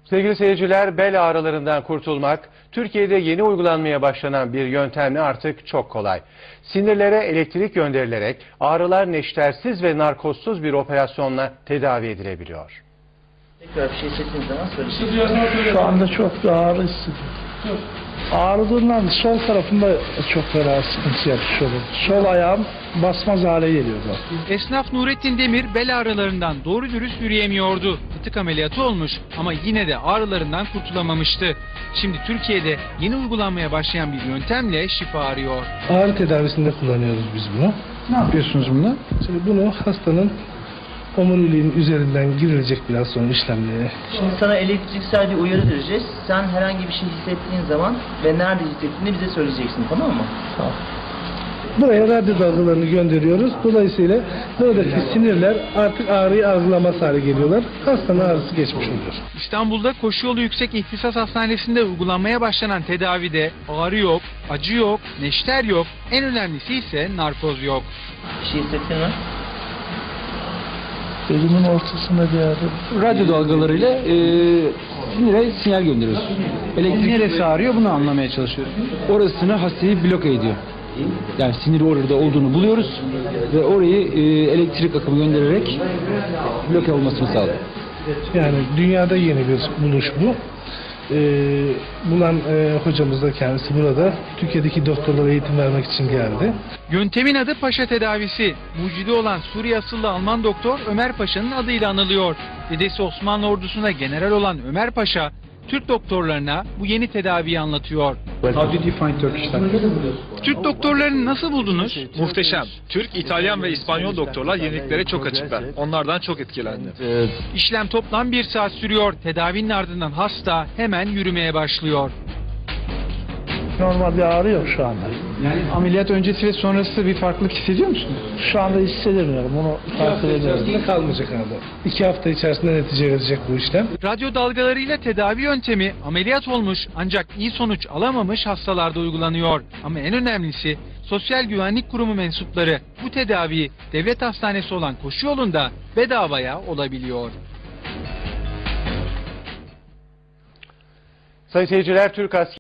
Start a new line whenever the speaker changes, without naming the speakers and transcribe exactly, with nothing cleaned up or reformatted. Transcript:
Sevgili seyirciler, bel ağrılarından kurtulmak, Türkiye'de yeni uygulanmaya başlanan bir yöntemle artık çok kolay. Sinirlere elektrik gönderilerek ağrılar neştersiz ve narkozsuz bir operasyonla tedavi edilebiliyor.
Tekrar bir şey hissettiğiniz zaman söyleyin.
Şu anda çok da ağrı hissediyorum. Ağrıdığından sol tarafımda çok fena sıkıntı yapmış olur. Sol ayağım basmaz hale geliyordu.
Esnaf Nurettin Demir bel ağrılarından doğru dürüst yürüyemiyordu. Fıtık ameliyatı olmuş ama yine de ağrılarından kurtulamamıştı. Şimdi Türkiye'de yeni uygulanmaya başlayan bir yöntemle şifa arıyor.
Ağrı tedavisinde kullanıyoruz biz bunu.
Ne yapıyorsunuz bununla?
Şimdi bunu hastanın omuriliğin üzerinden girilecek biraz sonra işlemleri.
Şimdi sana elektriksel bir uyarı vereceğiz. Sen herhangi bir şey hissettiğin zaman ve nerede hissettiğini bize söyleyeceksin, tamam mı?
Tamam. Buraya radyo dalgalarını gönderiyoruz. Dolayısıyla buradaki sinirler artık ağrıyı algılamaz hale geliyorlar. Hastanın ağrısı geçmiş oluyor.
İstanbul'da Koşuyolu Yüksek İhtisas Hastanesi'nde uygulanmaya başlanan tedavide ağrı yok, acı yok, neşter yok, en önemlisi ise narkoz yok.
Bir şey hissettin mi?
Elimin ortasında bir ağrı.
Radyo dalgalarıyla e, sinire sinyal gönderiyoruz. Elektrik neresi ağrıyor bunu anlamaya çalışıyoruz. Orasını hastayı bloke ediyor. Yani siniri orada olduğunu buluyoruz ve orayı e, elektrik akımı göndererek bloke olmasını sağlıyor.
Yani dünyada yeni bir buluş bu. Ee, bulan e, hocamız da kendisi burada. Türkiye'deki doktorlara eğitim vermek için geldi.
Yöntemin adı Paşa tedavisi. Mucidi olan Suriye asıllı Alman doktor Ömer Paşa'nın adıyla anılıyor. Dedesi Osmanlı ordusunda general olan Ömer Paşa, Türk doktorlarına bu yeni tedaviyi anlatıyor.
How did you find Turkish doctors?
Türk doktorlarını nasıl buldunuz?
Muhteşem. Türk, İtalyan ve İspanyol doktorlar yeniliklere çok açıklar. Onlardan çok etkilendim.
İşlem toplam bir saat sürüyor. Tedavinin ardından hasta hemen yürümeye başlıyor.
Normal bir ağrı yok şu anda.
Yani ameliyat öncesi ve sonrası bir farklılık hissediyor musunuz?
Şu anda hissedemiyorum. Onu takip ediyorum. Kalmayacak abi. İki hafta içerisinde netice verecek bu işlem.
Radyo dalgalarıyla tedavi yöntemi ameliyat olmuş ancak iyi sonuç alamamış hastalarda uygulanıyor. Ama en önemlisi Sosyal Güvenlik Kurumu mensupları bu tedaviyi devlet hastanesi olan Koşuyolu'nda bedavaya olabiliyor.
Sayın seyirciler, Türk askeri